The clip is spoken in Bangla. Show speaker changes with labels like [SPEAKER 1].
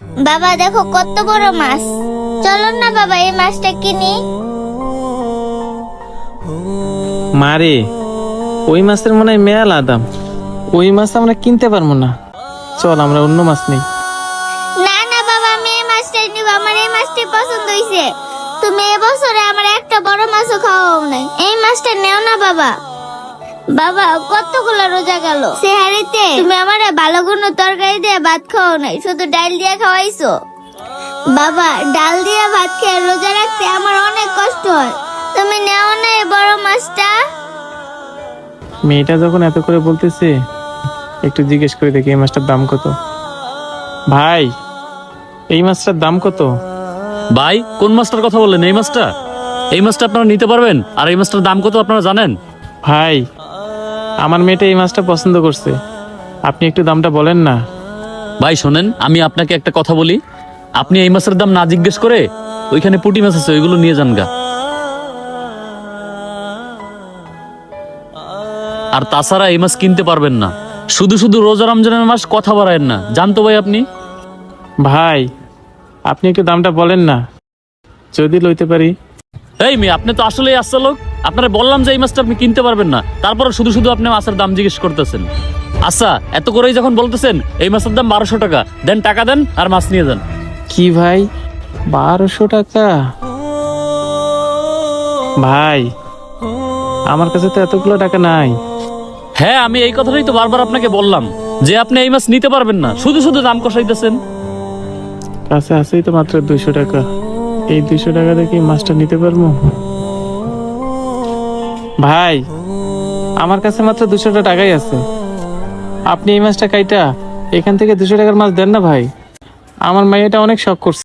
[SPEAKER 1] বাবা দেখো কত বড় মাছ, চলো না বাবা এই মাছটা কিনি।
[SPEAKER 2] মারে, ওই মাছের মনে হয় মেলা দাম, ওই মাছ আমরা কিনতে পারবো না। চল আমরা অন্য মাছ নেই।
[SPEAKER 1] না না বাবা, আমি এই মাছটাই নিব, আমার এই মাছটাই পছন্দ হইছে। তুমি এবছরে আমার একটা বড় মাছও খাওয়াও নাই, এই মাছটা নেও না বাবা। বাবা কতগুলো রোজা গেল, সেহারিতে তুমি আমারে ভালো কোনো তরকারি দিয়ে ভাত খাওয়াও নাই, শুধু ডাল দিয়ে খাওয়াইছো। বাবা ডাল দিয়ে ভাত খেয়ে রোজা রাখতে আমার অনেক কষ্ট হয়, তুমি নেও না এই বড় মাছটা।
[SPEAKER 2] মেয়েটা যখন এত করে বলতেছে, একটু জিজ্ঞেস করে দেখি এই মাছটার দাম কত। ভাই, এই মাছটার দাম কত?
[SPEAKER 3] ভাই কোন মাছটার কথা বললেন? এই মাছটা? এই মাছটা আপনারা নিতে পারবেন? আর এই মাছটার দাম কত আপনারা জানেন?
[SPEAKER 2] ভাই, আমার মেয়েটা এই মাছটা পছন্দ করছে, আপনি একটু দামটা বলেন না।
[SPEAKER 3] ভাই শোনেন, আমি আপনাকে একটা কথা বলি, আপনি এই মাছের দাম না জিজ্ঞেস করে ওইখানে পুঁটি মাছ আছে ওইগুলো নিয়ে যান গা। আর তাছাড়া এই মাছ কিনতে পারবেন না। শুধু শুধু রোজা রমজানের মাস কথা বাড়ায়েন না, জানতো ভাই আপনি?
[SPEAKER 2] ভাই, আপনি একটু দামটা বলেন না, যদি লইতে পারি।
[SPEAKER 3] এই মেয়ে, আপনি তো আসলেই আসছে লোক। আপনারা বললাম যে এই মাছটা আপনি কিনতে পারবেন না, তারপরে শুধু শুধু আপনি মাছের দাম জিজ্ঞেস করতেছেন। আচ্ছা, এত করেই যখন বলতেছেন এই মাছের দাম 1200 টাকা, দেন টাকা দেন আর মাছ নিয়ে যান।
[SPEAKER 2] কি ভাই, 1200 টাকা? ভাই, আমার কাছে তো এতগুলো টাকা নাই।
[SPEAKER 3] হ্যাঁ, আমি এই কথাটাই তো বারবার আপনাকে বললাম যে আপনি এই মাছ নিতে পারবেন না, শুধু শুধু দাম কষাইতেছেন।
[SPEAKER 2] কাছে আছেই তো মাত্র 200 টাকা, এই 200 টাকা দিয়ে কি মাছটা নিতে পারবো? ভাই, আমার কাছে মাত্র 200 টাকাই আছে, আপনি এই মাছটা কাইটা এখান থেকে 200 টাকার মাছ দেন না ভাই। আমার মাইয়াটা অনেক শখ করছে।